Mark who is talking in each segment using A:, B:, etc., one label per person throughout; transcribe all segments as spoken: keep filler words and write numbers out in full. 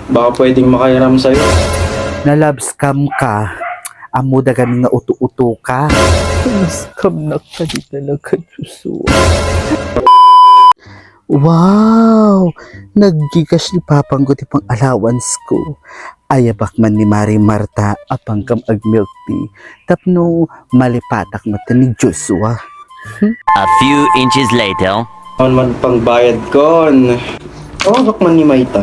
A: Baka pwedeng makairam sa'yo.
B: Na love scam ka. Amo da kami nga uto-uto ka.
C: Scam na ka di talaga, Joshua.
B: Wow! Naggigas ni Papang ko pang allowance ko. Ayabak man ni Mari Marta apang kam ag milk tea. Tapno malipatak mata ni Joshua.
D: A few inches later.
A: Ano man pang bayad kon. Tawagak man ni Maita.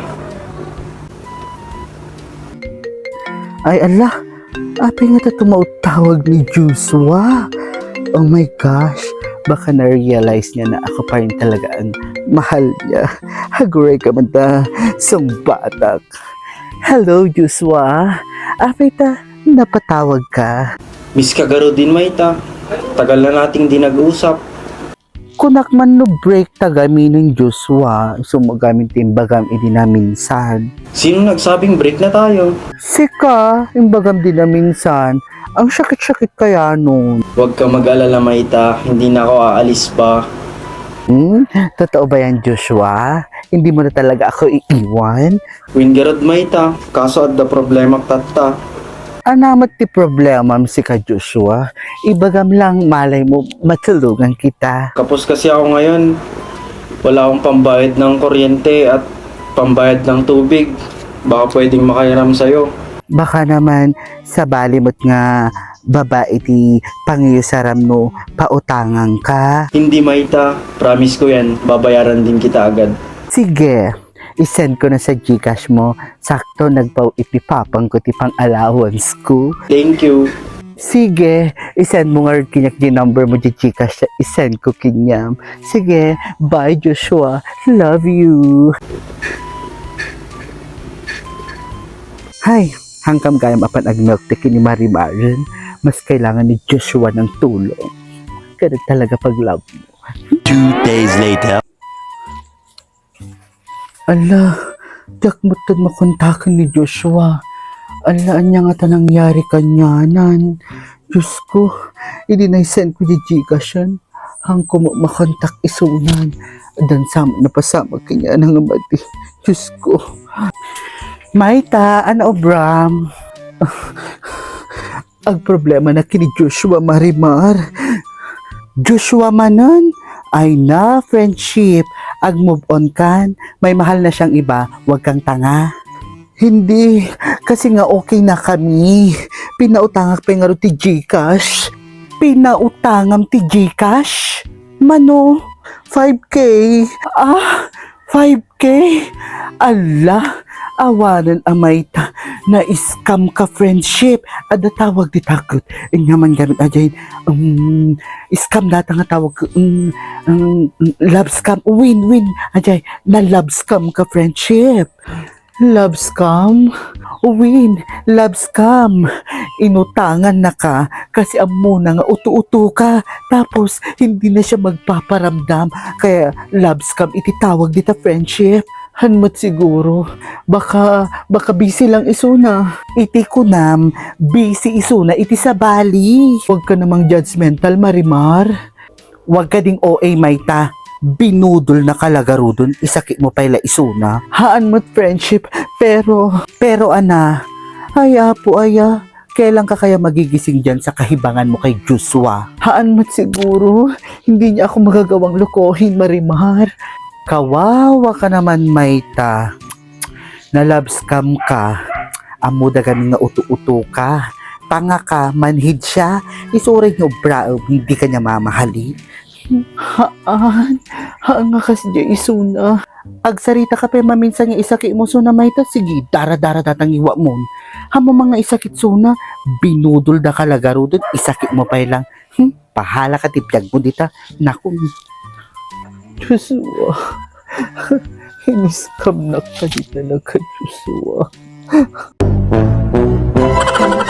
B: Ay ala, apay nga ta tumautawag ni Joshua. Oh my gosh, baka na-realize niya na ako pa rin talaga ang mahal niya. Haguray ka man ta, sang batak. Hello Joshua, apay ta, napatawag ka.
A: Miss Kagaro din Maita. Tagal na nating di nag-usap.
B: Kunak man no break tagami ng Joshua, sumagamit timbagam idi na minsan.
A: Sino nagsabing break na tayo?
B: Sika, imbagam din na minsan. Ang sakit-sakit kaya nun.
A: Huwag ka mag-alala Maita. Hindi na ako aalis pa.
B: Hmm? Totoo ba yan, Joshua? Hindi mo na talaga ako iiwan?
A: Wingarod Maita. Kaso at the problema tatta.
B: Anamat ti problema si ka, Joshua. Ibagam lang malay mo matulungan kita.
A: Kapos kasi ako ngayon. Wala akong pambayad ng kuryente at pambayad ng tubig. Baka pwedeng makairam sa'yo.
B: Baka naman sa balimot nga babae ti pangiusaram no pautangan ka.
A: Hindi Maita. Promise ko yan. Babayaran din kita agad.
B: Sige, isend ko na sa Gcash mo. Sakto nagpaw ipipapang ko ti pang allowance ko.
A: Thank you.
B: Sige, isend mo nga kinyak di number mo di Gcash sa isend ko kinyam. Sige, bye Joshua. Love you. Hay, hangkam gayam apan ag milk tea ni Marimarin. Mas kailangan ni Joshua ng tulong. Ganun talaga pag love mo.
D: Two days later.
B: Ala, dakmutan makontakan ni Joshua. Ala, anya nga ta nangyari kanyanan. Diyos ko, hindi na-send ko di Gcash yan. Hang ko makontak isunan. Dan sama na pasama kanya ng amati. Diyos ko. Maita, ano Bram? Ang problema na kini Joshua Marimar. Joshua manon? Ay na, friendship. Ag move on kan. May mahal na siyang iba. Huwag kang tanga. Hindi. Kasi nga okay na kami. Pinautangak pa nga ro ti Gcash. Pinautangam ti Gcash? Mano? five K? Ah, five K? Ala, awanan amay ta. Na-scam ka friendship. Ada tawag di takot. Inyaman gamit ajayin. Um, scam data nga tawag ko. Um, um, love scam. Win, win. Ajay, na love scam ka friendship. Love scam? Win, love scam. Inutangan na ka kasi amo na nga utu-utu ka. Tapos, hindi na siya magpaparamdam. Kaya, love scam ititawag dita friendship. Hanmat siguro. Baka, baka busy lang isuna. Iti kunam, busy isuna, iti sa bali. Huwag ka namang judgmental, Marimar. Huwag ka ding O A, Maita. Binudol na kalagaro dun, isakit mo pala isuna. Haan mo't friendship, pero, pero ana, ay apo aya, kailan ka kaya magigising dyan sa kahibangan mo kay Joshua? Haan mo't siguro, hindi niya ako magagawang lokohin, Marimar. Kawawa ka naman, Maita. Na love scam ka. Amo da kami nga uto-uto ka. Tanga ka, manhid siya. Isuray niyo, bra, hindi ka niya mamahali. Haan, haan nga kasi diya isuna. Agsarita ka pa maminsan nga isakit mo suna, Maita. Sige, dara-dara datang iwa mo. Hamo mga isakit suna, binudol da kalagaro dun, isakit mo pa lang. Hmm, pahala ka tipyag mo dita. Naku,
C: Joshua. Hiniskam na ka di talaga, Joshua.